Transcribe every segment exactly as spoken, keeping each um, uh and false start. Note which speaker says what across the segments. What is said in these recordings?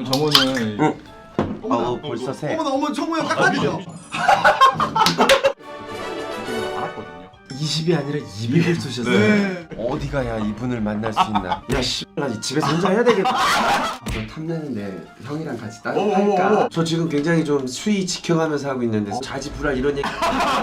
Speaker 1: 정우는
Speaker 2: 응.
Speaker 3: 어머나,
Speaker 2: 어, 벌써 새.
Speaker 3: 어머나 어머 정우 형 깎아주죠.
Speaker 1: 알았거든요.
Speaker 2: 이십이 아니라 이백을 쏘셨어요.
Speaker 3: 네.
Speaker 2: 어디 가야 이분을 만날 수 있나? 야 씨, 나 집에서 혼자 해야 되겠다. 저 탐내는데 형이랑 같이 따로
Speaker 1: 어머,
Speaker 2: 할까?
Speaker 1: 어머.
Speaker 2: 저 지금 굉장히 좀 수위 지켜가면서 하고 있는데 자지불알 이런 얘기.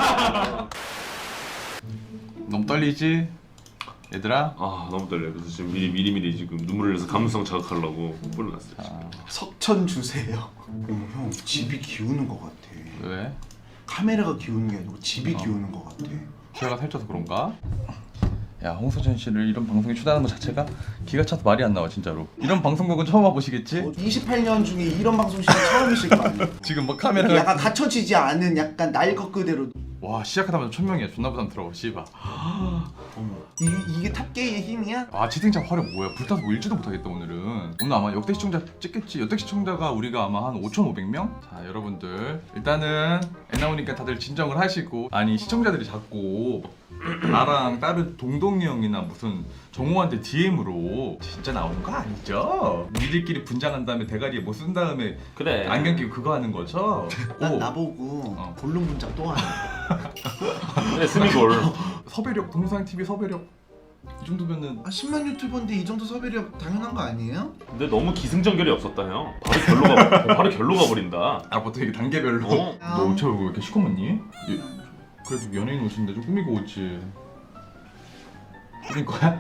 Speaker 1: 너무 떨리지? 얘들아?
Speaker 4: 아 너무 떨려. 그래서 지금 미리 미리 미리 지금 눈물을 내서 감수성 자극하려고 뿔을 났어요. 지금.
Speaker 3: 석천 주세요. 어머 형 집이 기우는 것 같아.
Speaker 1: 왜?
Speaker 3: 카메라가 기우는 게 아니고 집이
Speaker 1: 어.
Speaker 3: 기우는 것 같아.
Speaker 1: 기회가 살쪄서 그런가? 야, 홍서천 씨를 이런 방송에 초대하는 것 자체가 기가 차서 말이 안 나와 진짜로. 이런 방송국은 처음 와보시겠지?
Speaker 3: 이십팔 년 중에 이런 방송 시간 처음이실 거 아니에요.
Speaker 1: 지금 뭐
Speaker 3: 이렇게
Speaker 1: 카메라가
Speaker 3: 약간 갖춰지지 않은 약간 날 것 그대로.
Speaker 1: 와 시작하자마자 천 명이야. 존나 부담스러워 씨발.
Speaker 3: 어머 이, 이게 탑게이의 힘이야?
Speaker 1: 아 채팅창 화력 뭐야. 불타서 뭐 읽지도 못하겠다 오늘은. 오늘 아마 역대 시청자 찍겠지. 역대 시청자가 우리가 아마 한 오천오백 명? 자 여러분들 일단은 애 나오니까 다들 진정을 하시고. 아니 시청자들이 자꾸 나랑 다른 동동이 형이나 무슨 정우한테 디엠으로 진짜 나오는 거 아니죠? 니들끼리 분장한 다음에 대가리에 뭐 쓴 다음에
Speaker 4: 그래.
Speaker 1: 안경 끼고 그거 하는 거죠?
Speaker 3: 난
Speaker 1: 오,
Speaker 3: 나보고
Speaker 1: 어.
Speaker 3: 볼륨 분장 또 하네.
Speaker 4: 그래 스미골.
Speaker 1: 섭외력 동상티비 섭외력 이 정도면은
Speaker 3: 아 십만 유튜버인데 이 정도 섭외력 당연한 거 아니에요?
Speaker 4: 근데 너무 기승전결이 없었다 형. 바로 결로 가. 바로 결로 가버린다.
Speaker 1: 아 보통 이게 단계별로
Speaker 4: 어?
Speaker 1: 너 저 왜 이렇게 시커멓니? 예, 그래도 연예인 오신데 좀 꾸미고 오지. 꾸민 거야?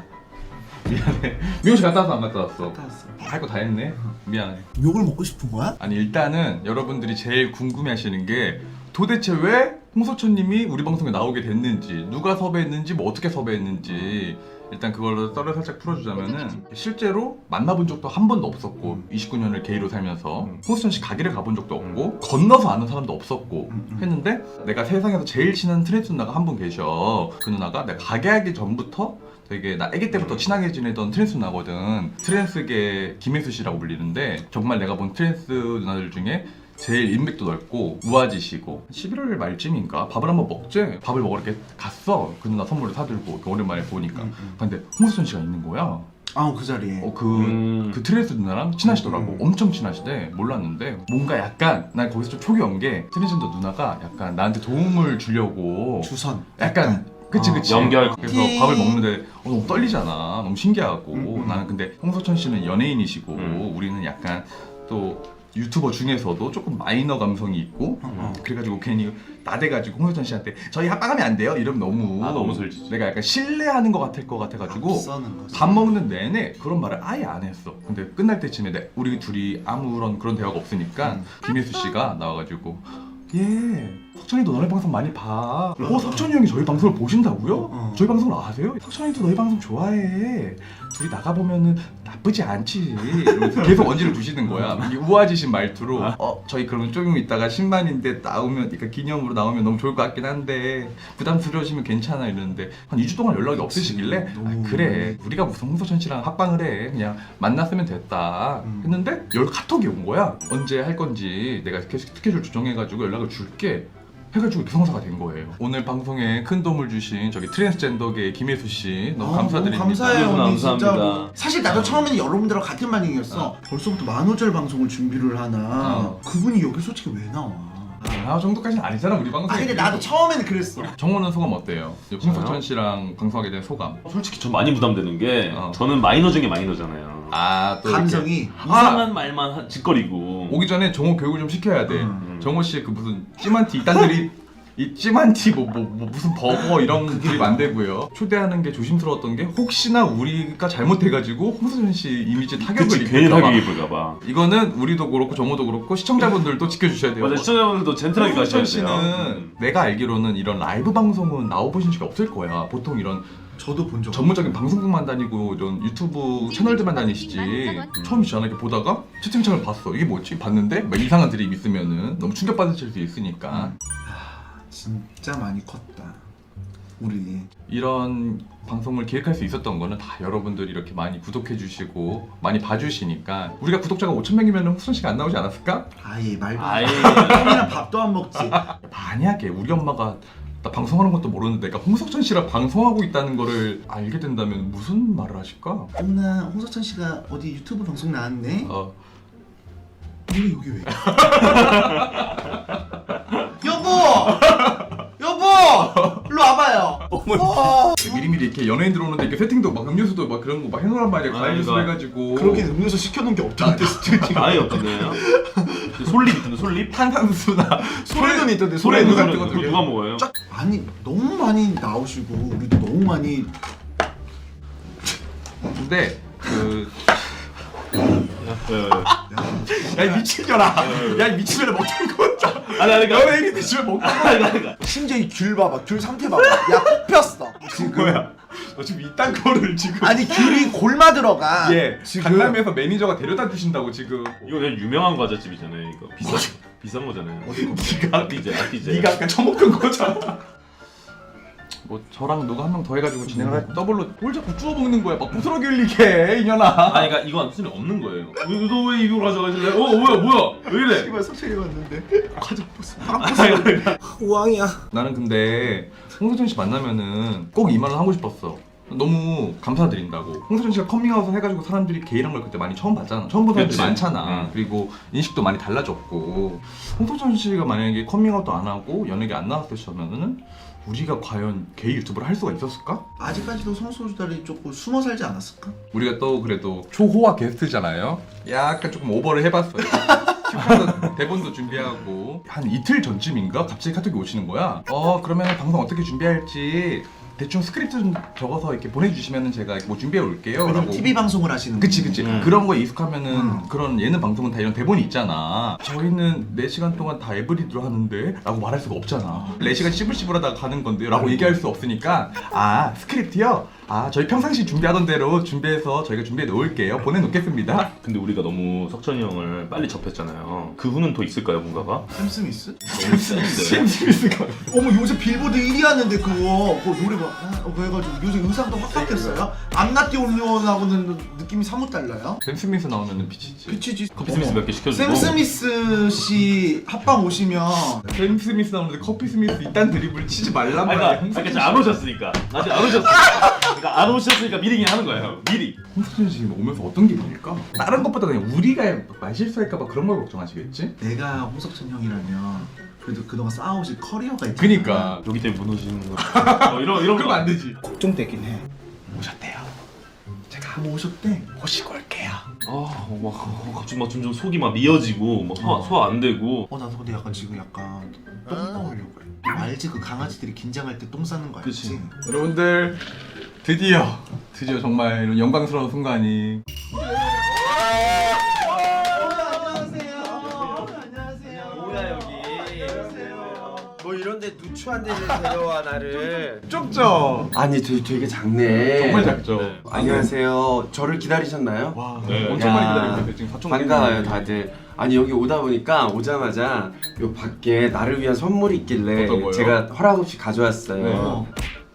Speaker 1: 미안해. 미용실 갔다 왔어 안 갔다 왔어?
Speaker 3: 갔다 왔어.
Speaker 1: 할 거 다 했네. 미안해.
Speaker 3: 욕을 먹고 싶은 거야?
Speaker 1: 아니 일단은 여러분들이 제일 궁금해하시는 게 도대체 왜 홍서천님이 우리 방송에 나오게 됐는지, 누가 섭외했는지, 뭐 어떻게 섭외했는지 일단 그걸로 썰을 살짝 풀어주자면은 실제로 만나본 적도 한 번도 없었고 이십구 년을 게이로 살면서
Speaker 4: 음.
Speaker 1: 홍서천 씨 가게를 가본 적도 없고 건너서 아는 사람도 없었고
Speaker 3: 음, 음.
Speaker 1: 했는데 내가 세상에서 제일 친한 트랜스 누나가 한 분 계셔. 그 누나가 내가 가게 하기 전부터 되게 나 아기 때부터 친하게 지내던 트랜스 누나거든. 트랜스계 김혜수 씨라고 불리는데 정말 내가 본 트랜스 누나들 중에 제일 인맥도 넓고 우아지시고 십일월 말쯤인가 밥을 한번 먹지? 밥을 먹으러 이렇게 갔어. 그 누나 선물을 사들고 이렇게 오랜만에 보니까
Speaker 3: 음, 음.
Speaker 1: 근데 홍수천 씨가 있는 거야.
Speaker 3: 아 그 자리에.
Speaker 1: 어, 그,
Speaker 4: 음.
Speaker 1: 그 트랜스 누나랑 친하시더라고.
Speaker 3: 음.
Speaker 1: 엄청 친하시대. 몰랐는데 뭔가 약간 난 거기서 좀 촉이 온 게 트랜스젠더 누나가 약간 나한테 도움을 주려고
Speaker 3: 주선.
Speaker 1: 약간 그치
Speaker 3: 어,
Speaker 1: 그치
Speaker 4: 연결.
Speaker 1: 그래서
Speaker 3: 예.
Speaker 1: 밥을 먹는데 어, 너무 떨리잖아. 너무 신기하고
Speaker 3: 음, 음.
Speaker 1: 나는 근데 홍서천 씨는 연예인이시고
Speaker 4: 음.
Speaker 1: 우리는 약간 또 유튜버 중에서도 조금 마이너 감성이 있고
Speaker 3: 어, 어.
Speaker 1: 그래가지고 괜히 나대가지고 홍서천 씨한테 저희 합방하면 안 돼요? 이러면 너무
Speaker 4: 아, 너무 설지지.
Speaker 1: 내가 약간 신뢰하는 것 같을 것 같아가지고
Speaker 3: 앞서는 거지.
Speaker 1: 밥 먹는 내내 그런 말을 아예 안 했어. 근데 끝날 때쯤에 내, 우리 둘이 아무런 그런 대화가 없으니까
Speaker 3: 음.
Speaker 1: 김혜수 씨가 나와가지고 예 석천이도 너네 방송 많이 봐. 어 석천이 형이 저희 방송을 보신다고요?
Speaker 3: 어.
Speaker 1: 저희 방송을 아세요? 석천이도 너희 방송 좋아해. 둘이 나가보면은 나쁘지 않지. 이러면서 계속 언지를 두시는 거야. 이 우아지신 말투로 어 저희 그러면 조금 있다가 십만인데 나오면 그러니까 기념으로 나오면 너무 좋을 것 같긴 한데 부담스러우시면 괜찮아 이러는데 한 이 주 동안 연락이 없으시길래
Speaker 3: 너무-
Speaker 1: 아, 그래 우리가 무슨 홍서천 씨랑 합방을 해 그냥 만났으면 됐다
Speaker 3: 음.
Speaker 1: 했는데 열 카톡이 온 거야. 언제 할 건지 내가 계속 스케줄 조정해가지고 연락을 줄게 해가지고 이렇게 성사가 된 거예요. 오늘 방송에 큰 도움을 주신 저기 트랜스젠더계 김혜수 씨 너무
Speaker 3: 아,
Speaker 1: 감사드립니다.
Speaker 3: 너무 감사해요
Speaker 4: 너무
Speaker 3: 언니
Speaker 4: 감사합니다.
Speaker 3: 진짜로. 사실 나도 처음에는 여러분들하고 같은 반응이었어. 벌써부터 만호절 방송을 준비를 하나.
Speaker 1: 어.
Speaker 3: 그분이 여기 솔직히 왜 나와?
Speaker 1: 아 정도까지는 아니잖아 우리 방송.
Speaker 3: 아 근데 나도 처음에는 그랬어.
Speaker 1: 정호는 소감 어때요? 홍석천 씨랑 방송하게 된 소감.
Speaker 4: 솔직히 전 많이 부담되는 게
Speaker 1: 어.
Speaker 4: 저는 마이너 중에 마이너잖아요.
Speaker 1: 아또
Speaker 3: 감성이.
Speaker 4: 이상한 말만 하- 짓거리고.
Speaker 1: 오기 전에 정호 교육을 좀 시켜야 돼.
Speaker 3: 음.
Speaker 1: 정호 씨의 그 무슨 찜한티 이딴들이 이 찜한티 뭐, 뭐, 뭐 무슨 버거 이런 드립 안 되고요. 초대하는 게 조심스러웠던 게 혹시나 우리가 잘못해가지고 홍석천 씨 이미지 타격을
Speaker 4: 그치 괜히
Speaker 1: 입을까 봐.
Speaker 4: 타격이 입을까봐.
Speaker 1: 이거는 우리도 그렇고 정호도 그렇고 시청자분들도 지켜주셔야 돼요.
Speaker 4: 맞아 시청자분들도 젠틀하게 가셔야
Speaker 1: 홍석천
Speaker 4: 돼요.
Speaker 1: 씨는
Speaker 4: 음.
Speaker 1: 내가 알기로는 이런 라이브 방송은 나와보신 적이 없을 거야. 보통 이런
Speaker 3: 저도 본 적.
Speaker 1: 전문적인 방송국만 다니고 이런 유튜브 채널들만 다니시지. 처음이잖아. 이렇게 보다가 채팅창을 봤어. 이게 뭐지? 봤는데 막 이상한 드립 있으면은 너무 충격받으실 수 있으니까
Speaker 3: 진짜 많이 컸다. 우리.
Speaker 1: 이런 방송을 기획할 수 있었던 거는 다 여러분들이 이렇게 많이 구독해 주시고 많이 봐주시니까 우리가 구독자가 오천 명이면 후순 씨가 안 나오지 않았을까?
Speaker 3: 아예 말도.
Speaker 4: 아예.
Speaker 3: 형이랑 밥도 안 먹지.
Speaker 1: 만약에 우리 엄마가 나 방송하는 것도 모르는데 내가 홍석천 씨랑 방송하고 있다는 거를 알게 된다면 무슨 말을 하실까?
Speaker 3: 엄마 홍석천 씨가 어디 유튜브 방송 나왔네.
Speaker 1: 어,
Speaker 3: 내가 여기 왜? 여보! 여보! 일로 와봐요. 어.
Speaker 1: 미리미리 이렇게 연예인 들어오는데 이렇게 세팅도 막 음료수도 막 그런 거 막 해놓으란 말이야.
Speaker 4: 아,
Speaker 1: 과일 주스
Speaker 4: 그러니까.
Speaker 1: 해가지고.
Speaker 3: 그러긴 음료수 시켜놓은 게 없던데 지금.
Speaker 4: 아예 없던데요? 솔립 있던데 솔립?
Speaker 1: 탄산수나
Speaker 3: 소래눈 있던데
Speaker 1: 소래눈
Speaker 3: 소래눈
Speaker 1: 같은
Speaker 3: 같은
Speaker 1: 거
Speaker 3: 거.
Speaker 4: 그거 누가 먹어요?
Speaker 3: 쫙 아니 너무 많이 나오시고 우리도 너무 많이
Speaker 1: 근데 그.
Speaker 4: 왜, 왜, 왜.
Speaker 1: 야 미친년아. 야 미친년아 먹는 거 같다.
Speaker 4: 아니 아니 그러니까
Speaker 1: 연예인인데 집에 먹고.
Speaker 4: 아니 아니
Speaker 3: 심지어 이 귤 봐봐 귤 상태 봐봐 야 뽑혔어 지금
Speaker 1: 뭐야? 너 지금 이딴 거를 지금.
Speaker 3: 아니 귤이 골마 들어가
Speaker 1: 예.
Speaker 3: 지금
Speaker 1: 강남에서 매니저가 데려다 주신다고 지금.
Speaker 4: 이거 그냥 유명한 과자집이잖아요. 이거 비싼 비싼 거잖아요.
Speaker 1: 네가
Speaker 4: 아티제 아티제.
Speaker 1: 네가 아까 처먹던 거잖아. 뭐 저랑 누가 한 명 더 해가지고 진행을 할 더블로 뭘 자꾸 쭈워 먹는 거야. 막 부스러기 흘리게 이년아.
Speaker 4: 아니 그러니까 이건 사실 없는 거예요. 너 왜 이거 가져가실래? 어 뭐야 뭐야 왜 이래?
Speaker 3: 이거 소철이 왔는데 과자 버스 파랑
Speaker 4: 아니,
Speaker 3: 버스
Speaker 4: 아니, 아니.
Speaker 3: 우왕이야
Speaker 1: 나는 근데 홍서준 씨 만나면은 꼭 이 말을 하고 싶었어. 너무 감사드린다고. 홍서준 씨가 커밍아웃을 해가지고 사람들이 게이란 걸 그때 많이 처음 봤잖아. 처음 본 사람들이
Speaker 4: 그치.
Speaker 1: 많잖아.
Speaker 4: 응.
Speaker 1: 그리고 인식도 많이 달라졌고. 홍서준 씨가 만약에 커밍아웃도 안 하고 연예계 안 나왔었으면은 우리가 과연 게이 유튜브를 할 수가 있었을까?
Speaker 3: 아직까지도 성소수다리 조금 숨어 살지 않았을까?
Speaker 1: 우리가 또 그래도 초호화 게스트잖아요. 약간 조금 오버를 해봤어요. 큐카드 대본도 준비하고 한 이틀 전쯤인가 갑자기 카톡이 오시는 거야. 어 그러면 방송 어떻게 준비할지 대충 스크립트 좀 적어서 이렇게 보내주시면은 제가 뭐 준비해 올게요.
Speaker 3: 왜냐면
Speaker 1: 라고.
Speaker 3: 티비 방송을 하시는
Speaker 1: 그치 그치
Speaker 4: 음.
Speaker 1: 그런 거에 익숙하면은
Speaker 3: 음.
Speaker 1: 그런 예능 방송은 다 이런 대본이 있잖아. 저희는 네 시간 동안 다 에브리드로 하는데 라고 말할 수가 없잖아. 네 시간 씹을씹을하다가 가는 건데 라고 얘기할 수 없으니까 아 스크립트요? 아 저희 평상시 준비하던 대로 준비해서 저희가 준비해 놓을게요. 보내놓겠습니다.
Speaker 4: 근데 우리가 너무 석천이 형을 빨리 접했잖아요. 그 후는 더 있을까요 뭔가가?
Speaker 3: 샘 스미스?
Speaker 4: 너무 센데.
Speaker 1: 샘 스미스가
Speaker 3: 어머 요새 빌보드 일 위 하는데 그거 그거 노래 막 아, 어, 그래가지고 요새 의상도 확 바뀌었어요. 암나띠 올리원하고는 느낌이 사뭇 달라요.
Speaker 1: 샘 스미스 나오면은 비치지.
Speaker 3: 비치지.
Speaker 4: 커피 스미스 몇 개 시켜주고.
Speaker 3: 샘 스미스 씨 합방 오시면
Speaker 1: 샘 스미스 나오는데 커피 스미스 이딴 드립을 치지 말란
Speaker 4: 아니,
Speaker 1: 말이야.
Speaker 4: 그러니까, 그러니까 안 오셨으니까 아직 안 오셨으니까 그러니까 안 오셨으니까 미리 그냥 하는 거예요 미리.
Speaker 1: 홍수준 씨 오면서 어떤 기분일까? 다른 것보다 그냥 우리가 말실수할까봐 그런 걸 걱정하시겠지?
Speaker 3: 내가 홍석천 형이라면 그래도 그동안 쌓아오신 커리어가 있잖아.
Speaker 1: 그니까
Speaker 4: 여기 때문에 무너지는 거. 어, 이런 이런 거
Speaker 1: 그러면 안 되지.
Speaker 3: 걱정되긴 해.
Speaker 1: 오셨대요.
Speaker 3: 제가 뭐 오셨대.
Speaker 1: 모시고 올게요.
Speaker 4: 아, 막 어, 갑자기 막 점점 속이 막 미어지고 막 소화 소화 안 되고.
Speaker 3: 어 나도 근데 약간 지금 약간 똥 싸우려고 그래. 알지 그 강아지들이 긴장할 때 똥 싸는 거 알지?
Speaker 4: 그치.
Speaker 1: 여러분들 드디어 드디어 정말 이런 영광스러운 순간이
Speaker 2: 뭐야 여기? 뭐 이런데 누추한 데를 데려와 나를.
Speaker 1: 좁죠?
Speaker 2: 아니 되게, 되게 작네.
Speaker 1: 정말 작죠?
Speaker 4: 네.
Speaker 2: 안녕하세요. 저를 기다리셨나요?
Speaker 1: 와
Speaker 4: 네.
Speaker 1: 엄청
Speaker 2: 야,
Speaker 1: 많이 기다리고 있는데 지금 사촌
Speaker 2: 반가워요 다들. 아니 여기 오다 보니까 오자마자 요 밖에 나를 위한 선물이 있길래
Speaker 1: 어떤 거요?
Speaker 2: 제가 허락 없이 가져왔어요.
Speaker 1: 네.
Speaker 3: 어.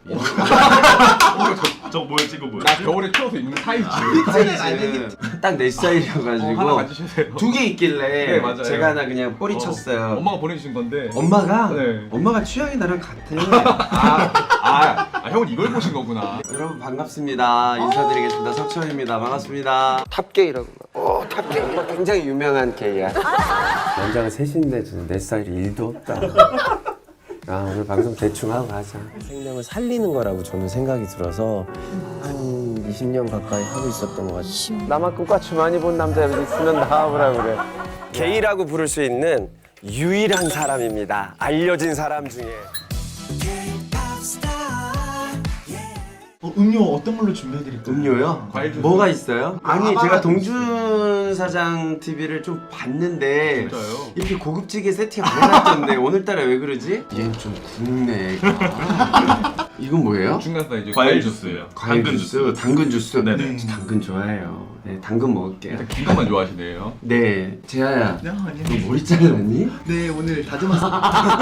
Speaker 4: 저거 뭐였지 이거 뭐야?
Speaker 1: 나 겨울에 추워서 입는 타이즈
Speaker 2: 사이즈 딱 내
Speaker 1: 어, 하나
Speaker 2: 스타일이어가지고
Speaker 1: 가지셔세요.
Speaker 2: 두 개 있길래
Speaker 1: 네, 맞아요.
Speaker 2: 제가 하나 그냥 꼬리
Speaker 1: 어,
Speaker 2: 쳤어요.
Speaker 1: 엄마가 보내주신 건데
Speaker 2: 엄마가
Speaker 1: 네.
Speaker 2: 엄마가 취향이 나랑 같아.
Speaker 1: 아, 아, 아 형은 이걸 보신 거구나.
Speaker 2: 여러분 반갑습니다. 인사드리겠습니다. 석천입니다. 반갑습니다. 탑게이라고. 오 탑게이. 굉장히 유명한 게이야. 남자가 셋인데 내 스타일이 일도 없다. 아 오늘 방송 대충 하고 가자.
Speaker 5: 생명을 살리는 거라고 저는 생각이 들어서 한 이십 년 가까이 하고 있었던 것 같아요.
Speaker 2: 나만큼 꽈추 많이 본 남자 여기 있으면 나와보라 그래. 게이라고 부를 수 있는 유일한 사람입니다. 알려진 사람 중에.
Speaker 3: 어, 음료 어떤 걸로 준비해드릴까요?
Speaker 2: 음료요?
Speaker 1: 과일 주스.
Speaker 2: 뭐가 있어요? 아니
Speaker 3: 아,
Speaker 2: 제가
Speaker 3: 아,
Speaker 2: 동준 사장 티비를 좀 봤는데
Speaker 1: 진짜요?
Speaker 2: 이렇게 고급지게 세팅 안 해놨던데 오늘따라 왜 그러지? 얘는 좀 굽네. 아, 이건 뭐예요?
Speaker 1: 중간 사이즈
Speaker 4: 과일 주스예요.
Speaker 2: 과일
Speaker 4: 당근
Speaker 2: 주스, 당근 주스.
Speaker 4: 네네.
Speaker 2: 저 당근 좋아해요. 네, 당근 먹을게요.
Speaker 1: 일단 긴 것만 좋아하시네요.
Speaker 2: 네, 재하야.
Speaker 3: 네 아니요.
Speaker 2: 너 머리 잘랐니?
Speaker 3: 네 오늘 다듬었어요.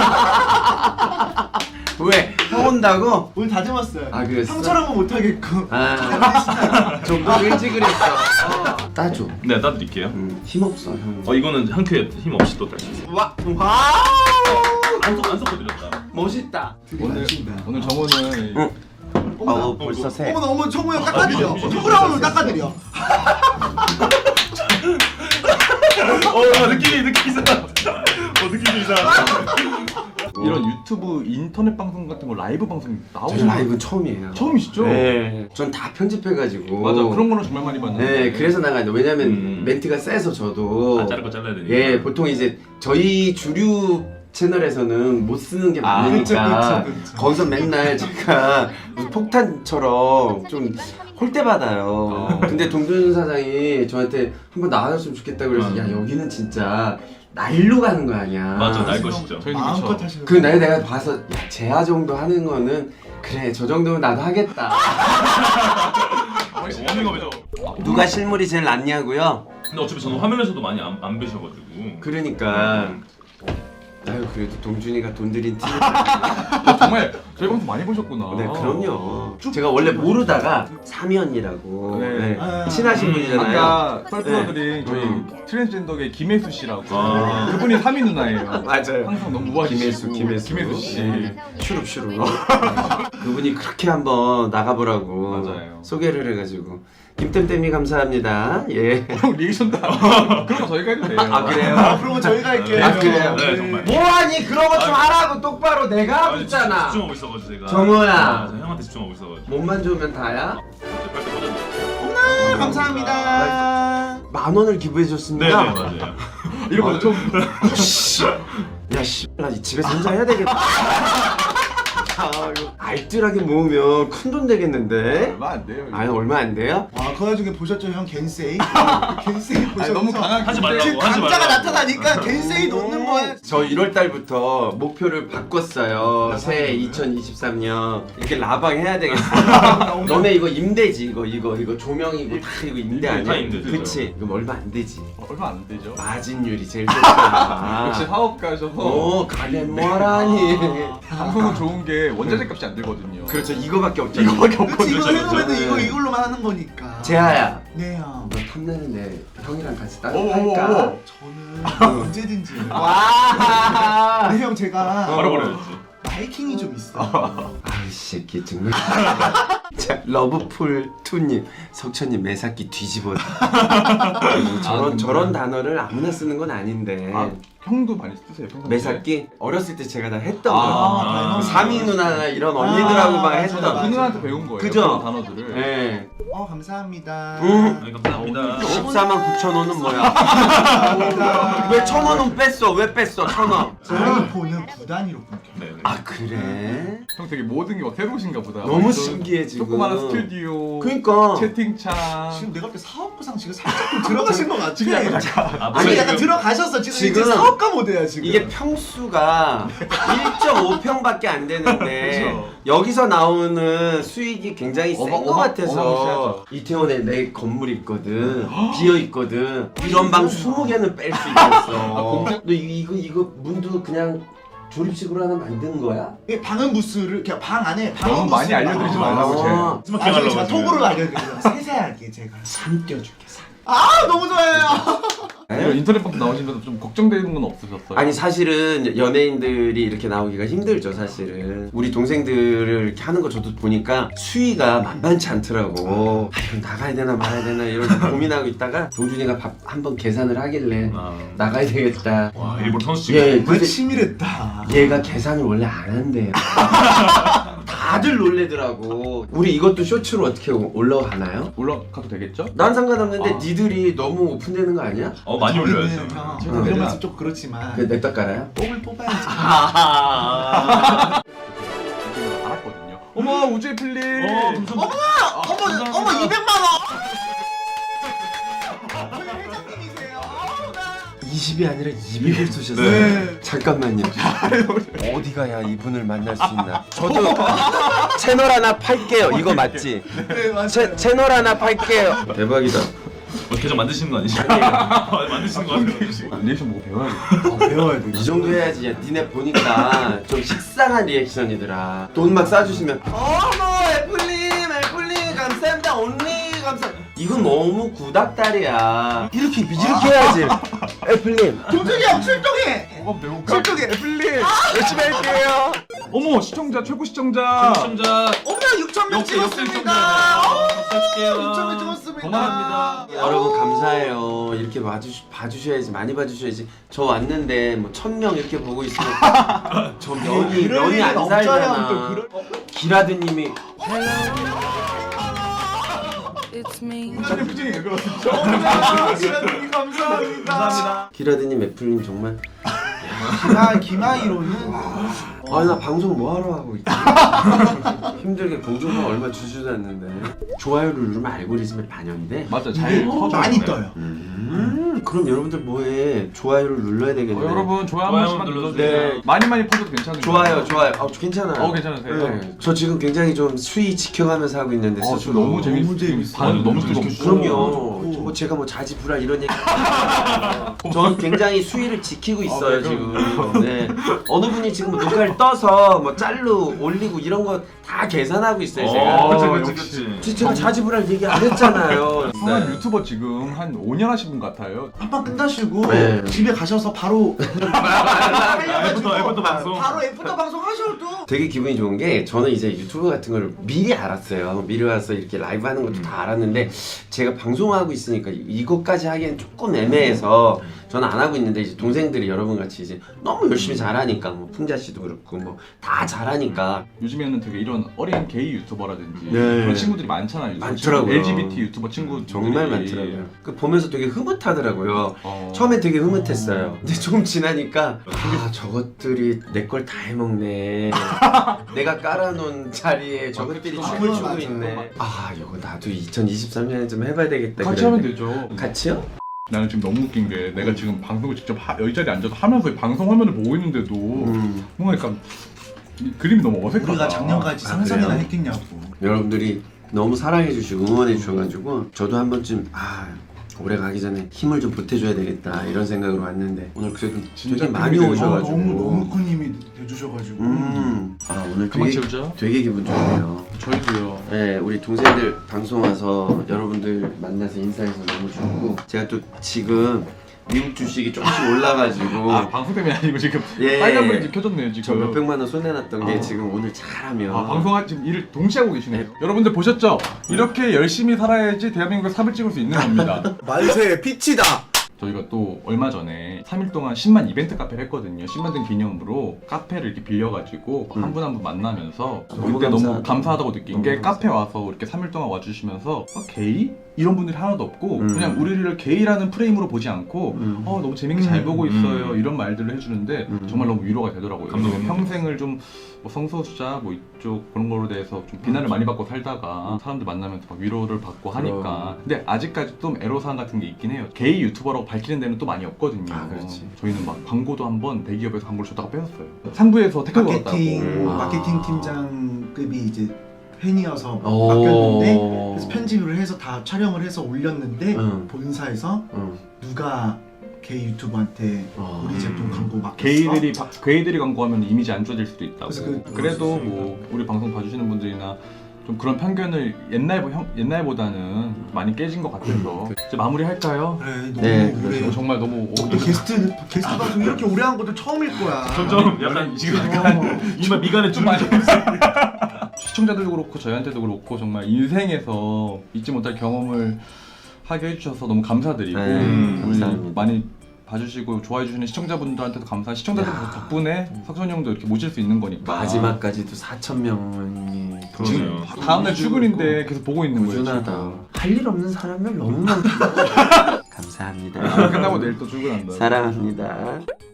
Speaker 2: 왜? 형 온다고?
Speaker 3: 오늘 다듬었어요.
Speaker 2: 아, 그랬어?
Speaker 3: 형처럼은 못하겠고.
Speaker 2: 아, 좀더 일찍 그랬어. 어. 따줘.
Speaker 4: 네 따드릴게요.
Speaker 2: 음, 힘없어 형.
Speaker 4: 어 이거는 한 큐에 힘 없이 또 딸 수 있어요.
Speaker 2: 와, 와,
Speaker 4: 안 섞- 안 섞어드렸다.
Speaker 2: 멋있다.
Speaker 1: 오늘 오늘 정호는
Speaker 2: 응.
Speaker 3: 어머나.
Speaker 2: 어, 벌써 새.
Speaker 3: 어머나 어머 청우 형 깎아드려. 초브라운으로 깎아드려.
Speaker 4: 어 느낌
Speaker 1: 유튜브 인터넷 방송 같은 거 라이브 방송
Speaker 2: 저희
Speaker 1: 나오시는
Speaker 2: 라이브 처음이에요.
Speaker 1: 처음이시죠?
Speaker 2: 네. 전 다 편집해가지고.
Speaker 1: 맞아, 그런 거는 정말 많이 봤는데.
Speaker 2: 네, 그래서 나가는데 왜냐면
Speaker 4: 음.
Speaker 2: 멘트가 세서 저도.
Speaker 4: 아, 자를 거 잘라야 되니까.
Speaker 2: 예, 보통 이제 저희 주류 채널에서는 못 쓰는 게
Speaker 1: 아,
Speaker 2: 많으니까
Speaker 3: 그쵸, 그쵸, 그쵸.
Speaker 2: 거기서 맨날 제가 무슨 폭탄처럼 좀 홀대 받아요.
Speaker 1: 어.
Speaker 2: 근데 동준 사장이 저한테 한번 나와줬으면 좋겠다 그래서
Speaker 4: 음.
Speaker 2: 야 여기는 진짜 날로 가는 거 아니야.
Speaker 4: 맞아, 날 것이죠.
Speaker 1: 저희는
Speaker 3: 마음껏
Speaker 1: 그쵸.
Speaker 3: 하시는
Speaker 2: 그 날 내가 봐서 야 재하 정도 하는 거는 그래 저 정도면 나도 하겠다.
Speaker 4: 워밍업이죠.
Speaker 2: 누가 실물이 제일 낫냐고요?
Speaker 4: 근데 어차피 저는 화면에서도 많이 안, 안 뵈셔가지고.
Speaker 2: 그러니까
Speaker 4: 음.
Speaker 2: 아유 그래도 동준이가 돈 들인 팀.
Speaker 1: 어, 정말 저희 방송 많이 보셨구나.
Speaker 2: 네, 그럼요. 제가 원래 모르다가 삼연이라고
Speaker 1: 네.
Speaker 2: 네.
Speaker 3: 아,
Speaker 2: 친하신
Speaker 4: 음,
Speaker 2: 분이잖아요.
Speaker 1: 아까 썰풀어드린 저희
Speaker 2: 음.
Speaker 1: 트랜스젠더계 김혜수 씨라고
Speaker 4: 아.
Speaker 1: 그분이 삼위 누나예요.
Speaker 2: 맞아요.
Speaker 1: 항상 너무 우아하시고
Speaker 2: 김혜수, 김혜수,
Speaker 1: 김혜수 씨.
Speaker 2: 네. 슈룹 슈룹. 그분이 그렇게 한번 나가보라고
Speaker 1: 맞아요.
Speaker 2: 소개를 해가지고 김땜땜이 감사합니다. 예.
Speaker 1: 형 리액션 다 그런 거 저희가 해도 돼요.
Speaker 2: 아 그래요?
Speaker 3: 아, 그러면 저희가 할게요.
Speaker 2: 아, 그래요?
Speaker 4: 네, 정말.
Speaker 2: 뭐하니 그런 거 좀 하라고 똑바로 내가 하고
Speaker 4: 아니,
Speaker 2: 있잖아.
Speaker 4: 집중하고 있어가지고 제가.
Speaker 2: 정우야.
Speaker 4: 아, 저 형한테 집중하고 있어가지고.
Speaker 2: 몸만 좋으면 다야.
Speaker 4: 빨리 꽂아줘.
Speaker 3: 아, 감사합니다.
Speaker 2: 만 원을 기부해
Speaker 4: 네네
Speaker 2: 줬습니다.
Speaker 4: 맞아요.
Speaker 1: 이런 거 좀.
Speaker 2: 야 씨, 나 집에서 혼자 해야 되겠다. 아, 이거 알뜰하게 모으면 큰 돈 되겠는데?
Speaker 1: 얼마 안 돼요. 이거.
Speaker 2: 아니 얼마 안 돼요?
Speaker 3: 아, 그 와중에 보셨죠, 형 겐세이? 겐세이 보셨죠?
Speaker 1: 아니, 너무 강하게
Speaker 4: 하지 말라고.
Speaker 3: 지금
Speaker 4: 하지
Speaker 3: 감자가
Speaker 4: 말라고.
Speaker 3: 나타나니까 겐세이 넣는 거야.
Speaker 2: 저 일월 달부터 목표를 바꿨어요. 새해 이천이십삼 년 이렇게 라방 해야 되겠어. 너네 이거 임대지 이거 이거 이거 조명이고 다 이거 임대 아니야?
Speaker 4: 다 임대죠.
Speaker 2: 그치? 이거 얼마 안 되지.
Speaker 1: 어, 얼마 안 되죠.
Speaker 2: 마진율이 제일 좋다.
Speaker 1: 역시 사업가셔서
Speaker 2: 오 가게 뭐하라니.
Speaker 1: 방송은 좋은 게 원자재 값이 안 들거든요.
Speaker 2: 그렇죠 이거밖에 없잖아.
Speaker 1: 이거밖에
Speaker 3: 그치,
Speaker 1: 없거든요.
Speaker 3: 이거 해놓으면
Speaker 4: 그렇죠.
Speaker 3: 이거 이걸로만 하는 거니까.
Speaker 2: 재하야.
Speaker 3: 네, 형.
Speaker 2: 너 탐내는데 형이랑 같이 따로
Speaker 1: 오,
Speaker 2: 할까?
Speaker 1: 오, 오.
Speaker 3: 저는 언제든지.
Speaker 2: 와.
Speaker 3: 네, 형, 제가
Speaker 4: 바로 버려야지.
Speaker 3: 마이킹이 좀 있어.
Speaker 2: 아이 새끼 정말. 자 러브풀 투님 석천님 매사기 뒤집어. 저런
Speaker 1: 근데-
Speaker 2: 저런 단어를 아무나 쓰는 건 아닌데.
Speaker 1: 아, 형도 많이 쓰세요. 평상시에?
Speaker 2: 매사기 어렸을 때 제가 다 했던
Speaker 1: 아,
Speaker 2: 거.
Speaker 3: 아,
Speaker 2: 삼이 누나나 이런 언니들하고 막
Speaker 3: 아,
Speaker 2: 했던.
Speaker 3: 맞아,
Speaker 1: 그 누나한테 배운 거예요.
Speaker 2: 그죠?
Speaker 1: 그런 단어들을.
Speaker 2: 예.
Speaker 3: 어, 감사합니다.
Speaker 2: 응.
Speaker 4: 네, 감사합니다.
Speaker 2: 십사만 구천 원은 뭐야?
Speaker 3: 감사합니다.
Speaker 2: 왜 천 원은 뺐어? 왜 뺐어? 천 원.
Speaker 3: 아이폰은 구 단위로 끊겨.
Speaker 4: 네네.
Speaker 2: 아 그래?
Speaker 1: 형 되게 모든 게 막 새로우신가 보다.
Speaker 2: 너무
Speaker 1: 이런
Speaker 2: 신기해 지금.
Speaker 1: 조그마한 스튜디오.
Speaker 2: 그러니까.
Speaker 1: 채팅창.
Speaker 3: 지금 내가 볼 때 사업부상 지금 살짝 좀 들어가신 것 같아.
Speaker 1: 지금 약간
Speaker 4: 아,
Speaker 3: 아니,
Speaker 4: 뭐야,
Speaker 3: 약간
Speaker 4: 지금?
Speaker 3: 들어가셨어. 지금,
Speaker 2: 지금
Speaker 3: 이제 사업가 모드야 지금.
Speaker 2: 이게 평수가 일 점 오 평밖에 안 되는데
Speaker 1: 그쵸.
Speaker 2: 여기서 나오는 수익이 굉장히 센
Speaker 1: 어마-
Speaker 2: 것
Speaker 1: 어마-
Speaker 2: 같아서
Speaker 1: 어마무시하죠.
Speaker 2: 이태원에 내 건물 있거든 비어 있거든 이런 방 스무 개는 뺄 수 있겠어.
Speaker 1: 공장-
Speaker 2: 너 이- 이거 이거 문도 그냥 조립식으로 하나 만든 거야?
Speaker 3: 이 방음 부스를 그냥 방 안에 방음
Speaker 1: 너무 많이
Speaker 3: 부스를
Speaker 1: 알려드리지
Speaker 3: 막-
Speaker 1: 말라고, 제.
Speaker 2: 아,
Speaker 4: 스마트
Speaker 3: 나중에
Speaker 4: 하려고
Speaker 3: 제가
Speaker 4: 지금.
Speaker 3: 톡으로 알려드릴게요. 세세하게 제가.
Speaker 2: 삼 떼어줄게 삼.
Speaker 3: 아, 너무 좋아요.
Speaker 1: 이런 인터넷 방송 나오시면서 좀 걱정되는 건 없으셨어요?
Speaker 2: 아니 사실은 연예인들이 이렇게 나오기가 힘들죠 사실은. 우리 동생들을 이렇게 하는 거 저도 보니까 수위가 만만치 않더라고. 아 이건 나가야 되나 말아야 되나 이런 고민하고 있다가 동준이가 밥 한번 계산을 하길래
Speaker 4: 아.
Speaker 2: 나가야 되겠다.
Speaker 4: 와 일본 선수 지금.
Speaker 2: 예,
Speaker 3: 정말
Speaker 2: 근데
Speaker 3: 치밀했다.
Speaker 2: 얘가 계산을 원래 안 한대요. 다들 놀래더라고. 우리 이것도 쇼츠로 어떻게 올라가나요?
Speaker 1: 올라가도 되겠죠?
Speaker 2: 난 상관없는데
Speaker 1: 아.
Speaker 2: 니들이 너무 오픈되는 거 아니야?
Speaker 4: 어 많이 올려야죠.
Speaker 3: 형,
Speaker 1: 음.
Speaker 3: 이런 말씀 좀 그렇지만
Speaker 2: 그 냅다 깔아요?
Speaker 3: 뽕을 뽑아야지.
Speaker 1: 지금 알았거든요. 어머 우주의 필리.
Speaker 4: 어, 감사합니다.
Speaker 3: 어머, 어머, 이백만 원. 저희 회장님이세요. 아우, 나.
Speaker 2: 이십이 아니라 이백을 쏘셨어요.
Speaker 3: 네.
Speaker 2: 잠깐만요. 어디 가야 이분을 만날 수 있나? 저도 채널 하나 팔게요. 이거 맞지?
Speaker 3: 네, 맞아요.
Speaker 2: 채, 채널 하나 팔게요. 대박이다.
Speaker 4: 어, 계정 만드시는 거 아니죠? 아, 만드시는 거 같아요.
Speaker 1: 리액션 보고 배워야겠다.
Speaker 3: 배워야 돼.
Speaker 2: 이 정도 해야지. 야, 니네 보니까 좀 식상한 리액션이더라. 돈 막 싸주시면 어머 애플님 애플님 감사합니다 언니 감사. 이건 너무 구닥다리야. 이렇게 이렇게 해야지.
Speaker 5: 애플님
Speaker 3: 동생이 형 출동해.
Speaker 1: 뭐가 배울까?
Speaker 3: 출동해.
Speaker 1: 애플리 열심히 할게요. 어머 시청자 최고 시청자.
Speaker 4: 시청자
Speaker 3: 어머 육천 명
Speaker 4: 역시 역시
Speaker 3: 찍었습니다.
Speaker 4: 시청자
Speaker 3: 육천 명 찍었습니다.
Speaker 4: 고맙습니다.
Speaker 2: 여러분 감사해요. 이렇게 봐주, 봐주셔야지 많이 봐주셔야지. 저 왔는데 뭐 천 명 이렇게 보고 있으면 저 면이
Speaker 3: 그럴
Speaker 2: 면이
Speaker 3: 일은
Speaker 2: 안
Speaker 3: 없잖아요,
Speaker 2: 살잖아.
Speaker 3: 또 그럴-
Speaker 2: 기라드님이
Speaker 6: It's me.
Speaker 1: 촬영 표정이 왜 그러지?
Speaker 3: 어머나 지라님 감사합니다. 감사합니다.
Speaker 2: 기라드님 애플님 정말
Speaker 3: 기마 기마이로는
Speaker 2: 아 나 방송 뭐하러 하고 있지? 힘들게 공중파 얼마 주지도 않는데 좋아요를 누르면 알고리즘에 반영돼?
Speaker 1: 맞아 잘
Speaker 3: 어,
Speaker 1: 터져.
Speaker 3: 많이 떠요.
Speaker 2: 음 그럼 여러분들 뭐해? 좋아요를 눌러야 되겠네.
Speaker 1: 어, 여러분 좋아요 한
Speaker 4: 좋아요
Speaker 1: 번씩만
Speaker 4: 눌러주세요.
Speaker 1: 눌러주세요.
Speaker 2: 네.
Speaker 1: 많이 많이 퍼져도 괜찮은
Speaker 2: 좋아요 좋아요. 아 괜찮아요.
Speaker 1: 어 괜찮으세요?
Speaker 2: 네. 저 지금 굉장히 좀 수위 지켜가면서 하고 있는데
Speaker 1: 어, 저
Speaker 2: 스스로.
Speaker 1: 너무 재밌
Speaker 3: 너무 재밌어요.
Speaker 1: 반응 너무
Speaker 4: 너무
Speaker 1: 즐겁고.
Speaker 2: 그럼요. 뭐 제가 뭐 자지불알 이런 얘기. 저는 굉장히 수위를 지키고 있어요
Speaker 1: 아,
Speaker 2: 지금. 네. 어느 분이 지금 녹화를 떠서 뭐 짤로 올리고 이런 거 다 계산하고 있어요 제가.
Speaker 4: 어, 그치
Speaker 1: 어,
Speaker 4: 그치
Speaker 1: 역시.
Speaker 4: 그치.
Speaker 2: 제가 자지불알 얘기 안 했잖아요.
Speaker 1: 성한
Speaker 2: 네.
Speaker 1: 유튜버 지금 한 오 년 하신 분 같아요.
Speaker 3: 한판 끝나시고
Speaker 2: 네.
Speaker 3: 집에 가셔서 바로
Speaker 4: 애프터 애프터 방송.
Speaker 3: 바로 애프터 방송 하셔도
Speaker 2: 되게 기분이 좋은 게 저는 이제 유튜브 같은 걸 미리 알았어요. 미리 와서 이렇게 라이브 하는 것도 다 알았는데 제가 방송하고 있으니까 이것까지 하기엔 조금 애매해서 저는 안 하고 있는데 이제 동생들이 여러분 같이 이제 너무 열심히 잘하니까 뭐 풍자 씨도 그렇고 뭐 다 잘하니까
Speaker 1: 요즘에는 되게 이런 어린 게이 유튜버라든지
Speaker 2: 네.
Speaker 1: 그런 친구들이 많잖아요.
Speaker 2: 많더라고요.
Speaker 1: 엘지비티 유튜버 친구
Speaker 2: 정말 많더라고요. 그 보면서 되게 흐뭇하더라고요.
Speaker 1: 어.
Speaker 2: 처음에 되게 흐뭇했어요. 근데 조금 지나니까 아 저것들이 내 걸 다 해먹네. 내가 깔아놓은 자리에 저것들이
Speaker 1: 그쵸.
Speaker 2: 춤을 추고
Speaker 3: 맞아요.
Speaker 2: 있네. 아 이거 나도 이천이십삼 년에 좀 해봐야 되겠다.
Speaker 1: 같이
Speaker 2: 그랬는데.
Speaker 1: 하면 되죠.
Speaker 2: 같이요?
Speaker 1: 나는 지금 너무 웃긴 게 내가 지금 방송을 직접 하, 여기 자리에 앉아서 하면서 방송 화면을 보고 있는데도
Speaker 2: 음.
Speaker 1: 뭔가 약간 이 그림이 너무 어색하다.
Speaker 3: 우리가 작년까지
Speaker 2: 아,
Speaker 3: 상상이나
Speaker 2: 그래요?
Speaker 3: 했겠냐고.
Speaker 2: 여러분들이 너무 사랑해주시고 응원해주셔가지고 저도 한번 좀 아 올해 가기 전에 힘을 좀 보태줘야 되겠다 이런 생각으로 왔는데 오늘 그래도
Speaker 1: 진짜
Speaker 2: 되게 많이
Speaker 1: 힘이
Speaker 2: 오셔가지고
Speaker 3: 너무 너무 큰님이 해주셔가지고.
Speaker 2: 음. 아 오늘
Speaker 1: 그만
Speaker 2: 되게,
Speaker 1: 채우자.
Speaker 2: 되게 기분 좋네요.
Speaker 1: 저희도요.
Speaker 2: 네, 우리 동생들 방송 와서 여러분들 만나서 인사해서 너무 좋고 제가 또 지금 미국 주식이 조금씩 올라가지고
Speaker 1: 아 방송 때문에 아니고 지금
Speaker 2: 예.
Speaker 1: 빨간불이 지금 켜졌네요
Speaker 2: 저
Speaker 1: 지금.
Speaker 2: 몇백만 원 손해났던 게
Speaker 1: 어.
Speaker 2: 지금 오늘 잘하면
Speaker 1: 아 방송할 지금 일을 동시에 하고 계시네요. 여러분들 보셨죠? 이렇게 열심히 살아야지 대한민국에 삽을 찍을 수 있는 겁니다.
Speaker 3: 만세 피치다.
Speaker 1: 저희가 또 얼마 전에 삼 일 동안 십만 이벤트 카페를 했거든요. 십만 등 기념으로 카페를 이렇게 빌려가지고
Speaker 2: 음.
Speaker 1: 한 분 한 분 만나면서
Speaker 2: 너무
Speaker 1: 그때 너무
Speaker 2: 감사하다.
Speaker 1: 감사하다고 느낀
Speaker 2: 너무
Speaker 1: 게
Speaker 2: 감사하다.
Speaker 1: 카페 와서 이렇게 삼 일 동안 와주시면서 어, 게이? 이런 분들이 하나도 없고
Speaker 2: 음.
Speaker 1: 그냥 우리를 게이라는 프레임으로 보지 않고
Speaker 2: 음.
Speaker 1: 어 너무 재밌게 잘 보고 있어요
Speaker 4: 음.
Speaker 1: 이런 말들을 해주는데
Speaker 2: 음.
Speaker 1: 정말 너무 위로가 되더라고요.
Speaker 4: 감동입니다.
Speaker 1: 평생을 좀 뭐 성소수자 뭐 이쪽 그런 거로 대해서 좀 비난을 많이 받고 살다가 사람들 만나면서 막 위로를 받고 하니까
Speaker 2: 그럼.
Speaker 1: 근데 아직까지 좀 애로사항 같은 게 있긴 해요. 게이 유튜버라고 밝히는 데는 또 많이 없거든요.
Speaker 2: 아, 그렇지.
Speaker 1: 저희는 막 광고도 한번 대기업에서 광고를 줬다가 뺏었어요. 상부에서 태클 걸었다고.
Speaker 3: 마케팅
Speaker 2: 아.
Speaker 3: 마케팅 팀장급이 이제 팬이어서
Speaker 2: 오.
Speaker 3: 맡겼는데 그래서 편집을 해서 다 촬영을 해서 올렸는데
Speaker 2: 응.
Speaker 3: 본사에서
Speaker 2: 응.
Speaker 3: 누가 게이 유튜버한테
Speaker 2: 어.
Speaker 3: 우리 제품 광고 맡겼어?
Speaker 1: 게이들이 바- 게이들이 광고하면 이미지 안 좋아질 수도 있다고.
Speaker 3: 그래서 그-
Speaker 1: 그, 래도뭐 우리 방송 봐주시는 분들이나 좀 그런 편견을 옛날 형, 옛날보다는 많이 깨진 것 같아서 이제 마무리할까요?
Speaker 3: 그래 너무
Speaker 2: 네,
Speaker 3: 오래
Speaker 1: 저 정말 너무 오-
Speaker 3: 또 게스트 게스트 방송 이렇게 오래 한 것도 처음일 거야.
Speaker 4: 점점 약간 지금 약간 이마 미간에 좀 많이
Speaker 1: 시청자들도 그렇고 저희한테도 그렇고 정말 인생에서 잊지 못할 경험을 하게 해주셔서 너무 감사드리고
Speaker 2: 음,
Speaker 1: 우리
Speaker 2: 감사합니다.
Speaker 1: 많이 봐주시고 좋아해주시는 시청자분들한테도 감사. 시청자들
Speaker 2: 야.
Speaker 1: 덕분에 석선이 형도 이렇게 모실 수 있는 거니까.
Speaker 2: 마지막까지도 사천 명이
Speaker 1: 지금
Speaker 4: 그러네요.
Speaker 1: 다음날 출근인데 계속 보고 있는 거예요.
Speaker 2: 꾸준하다.
Speaker 1: 지금.
Speaker 2: 할 일 없는 사람을 너무 많다. 감사합니다.
Speaker 1: 끝나고 내일 또 출근한다.
Speaker 2: 사랑합니다.